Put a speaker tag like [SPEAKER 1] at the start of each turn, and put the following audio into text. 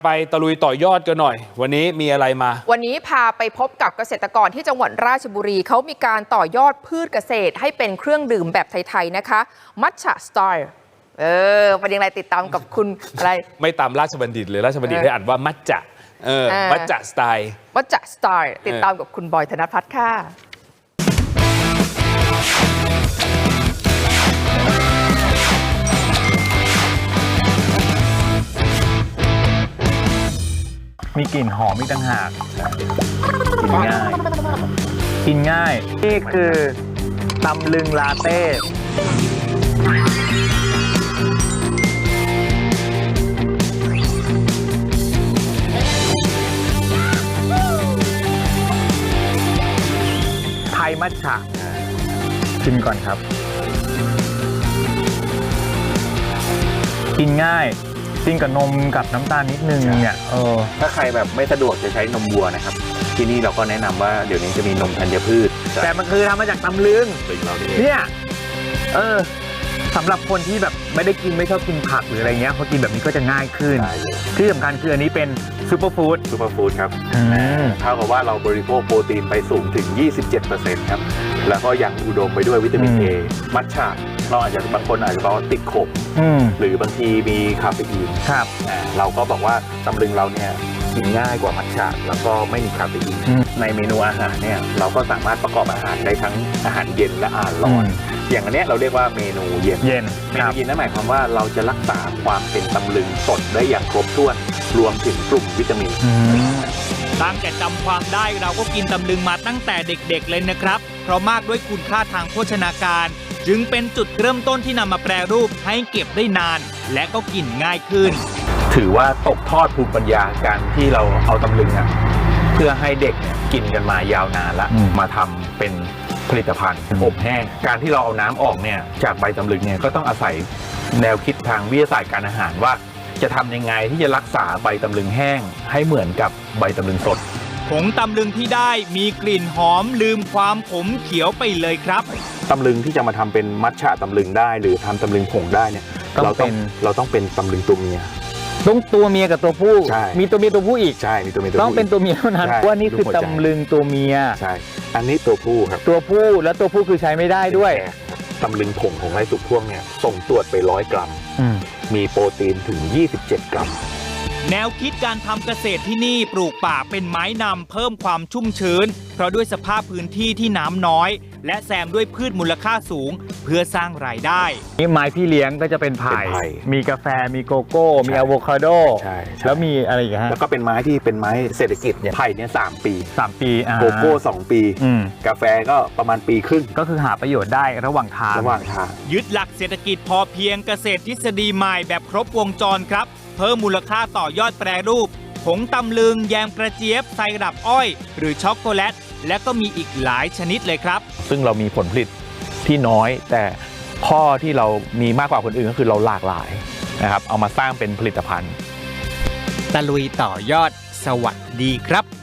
[SPEAKER 1] ไปตะลุยต่อยอดกันหน่อยวันนี้มีอะไรมา
[SPEAKER 2] วันนี้พาไปพบกับเกษตรกรที่จังหวัดราชบุรีเขามีการต่อยอดพืชเกษตรให้เป็นเครื่องดื่มแบบไทยๆนะคะมัทฉะสไตล์เป็นยังไงติดตามกับคุณอะไร
[SPEAKER 1] ไม่ตามราชบัณฑิตเลยราชบัณฑิตได้อ่านว่ามัทฉะมัทฉะสไตล์
[SPEAKER 2] มัทฉะสไตล์ติดตามกับคุณบอยธนภัทรค่ะ
[SPEAKER 3] มีกลิ่นหอมอีกต่างหากกินง่ายนี่คือตำลึงลาเต้ไทยมัทฉะชิมก่อนครับกินง่ายกินกับนมกับน้ำตาลนิดนึงเนี่ย
[SPEAKER 4] ถ้าใครแบบไม่สะดวกจะใช้นมวัวนะครับที่นี่เราก็แนะนำว่าเดี๋ยวนี้จะมีนมธัญพืช
[SPEAKER 3] แต่มันคือทำมาจากตำลึงเนี่ยสำหรับคนที่แบบไม่ได้กินไม่ชอบกินผักหรืออะไรเงี้ยพอกินแบบนี้ก็จะง่ายขึ้นที่สำคัญคืออันนี้เป็นซูเปอร์ฟู้ด
[SPEAKER 4] ครับเท่ากับว่าเราบริโภคโปรตีนไปสูงถึง 27% ครับแล้วก็ยังอุดมไปด้วยวิตามิน A มัทฉะเราอาจจะบางคนอาจจะบอกว่าติดขมหรือบางทีมีคาเฟอีน
[SPEAKER 3] ครับ
[SPEAKER 4] เราก็บอกว่าตำลึงเราเนี่ยกินง่ายกว่ามัทฉะแล้วก็ไม่มีคาเฟอีนในเมนูอาหารเนี่ยเราก็สามารถประกอบอาหารได้ทั้งอาหารเย็นและอาหารร้อนอย่างอันนี้เราเรียกว่าเมนูเย็นเมนูเย็นนั่นหมายความว่าเราจะรักษาความเป็นตำลึงสดได้อย่างครบถ้วนรวมถึงกลุ่มวิตามิน
[SPEAKER 5] ตั้งแต่จำความได้เราก็กินตำลึงมาตั้งแต่เด็กๆเลยนะครับเพราะมากด้วยคุณค่าทางโภชนาการจึงเป็นจุดเริ่มต้นที่นำมาแปรรูปให้เก็บได้นานและก็กินง่ายขึ้น
[SPEAKER 4] ถือว่าตกทอดภูมิปัญญาการที่เราเอาตำลึงเพื่อให้เด็กกินกันมายาวนานแล้วมาทำเป็นผลิตภัณฑ์อบแห้งการที่เราเอาน้ำออกเนี่ยจากใบตำลึงเนี่ยก็ต้องอาศัยแนวคิดทางวิทยาศาสตร์การอาหารว่าจะทำยังไงที่จะรักษาใบตำลึงแห้งให้เหมือนกับใบตำลึงสด
[SPEAKER 5] ผงตำลึงที่ได้มีกลิ่นหอมลืมความขมเขียวไปเลยครับ
[SPEAKER 4] ตำลึงที่จะมาทำเป็นมัทฉะตำลึงได้หรือทำตำลึงผงได้เนี่ยเราต้องเป็นตำลึงตัวเมีย
[SPEAKER 3] ต้องตัวเมียกับตัวผู้มีตัวเมียตัวผู้อีก
[SPEAKER 4] ใช่มีตัวเมีย
[SPEAKER 3] ต้องเป็นตัวเมียเท่านั้นว่านี่คือตำลึงตัวเมีย
[SPEAKER 4] ใช่อันนี้ตัวผู้ครับ
[SPEAKER 3] ตัวผู้และตัวผู้คือใช้ไม่ได้ด้วย
[SPEAKER 4] ตำลึงผงของไร่สุกพ่วงเนี่ยส่งตรวจไป100 กรัมมีโปรตีนถึง27 กรัม
[SPEAKER 5] แนวคิดการทำเกษตรที่นี่ปลูกป่าเป็นไม้นำเพิ่มความชุ่มชื้นเพราะด้วยสภาพพื้นที่ที่น้ำน้อยและแซมด้วยพืชมูลค่าสูงเพื่อสร้างรายได้
[SPEAKER 3] นี่ไม้พี่เลี้ยงก็จะเป็นไผ่มีกาแฟมีโกโก้มีอะโวคาโดแล้วมีอะไรอีกฮะ
[SPEAKER 4] แล้วก็เป็นไม้ที่เป็นไม้เศรษฐกิจเนี่ยไผ่เนี่ย3 ปีโกโก้2 ปีกาแฟก็ประมาณปีครึ่ง
[SPEAKER 3] ก็คือหาประโยชน์ได้ระหว่างทาง
[SPEAKER 5] ยึดหลักเศรษฐกิจพอเพียงเกษตรทฤษฎีใหม่แบบครบวงจรครับเพิ่มมูลค่าต่อยอดแปรรูปผงตำลึงแยมกระเจี๊ยบไซรัปอ้อยหรือช็อกโกแลตและก็มีอีกหลายชนิดเลยครับ
[SPEAKER 4] ซึ่งเรามีผลผลิตที่น้อยแต่ข้อที่เรามีมากกว่าคนอื่นก็คือเราหลากหลายนะครับเอามาสร้างเป็นผลิตภัณฑ์
[SPEAKER 5] ตะลุยต่อยอดสวัสดีครับ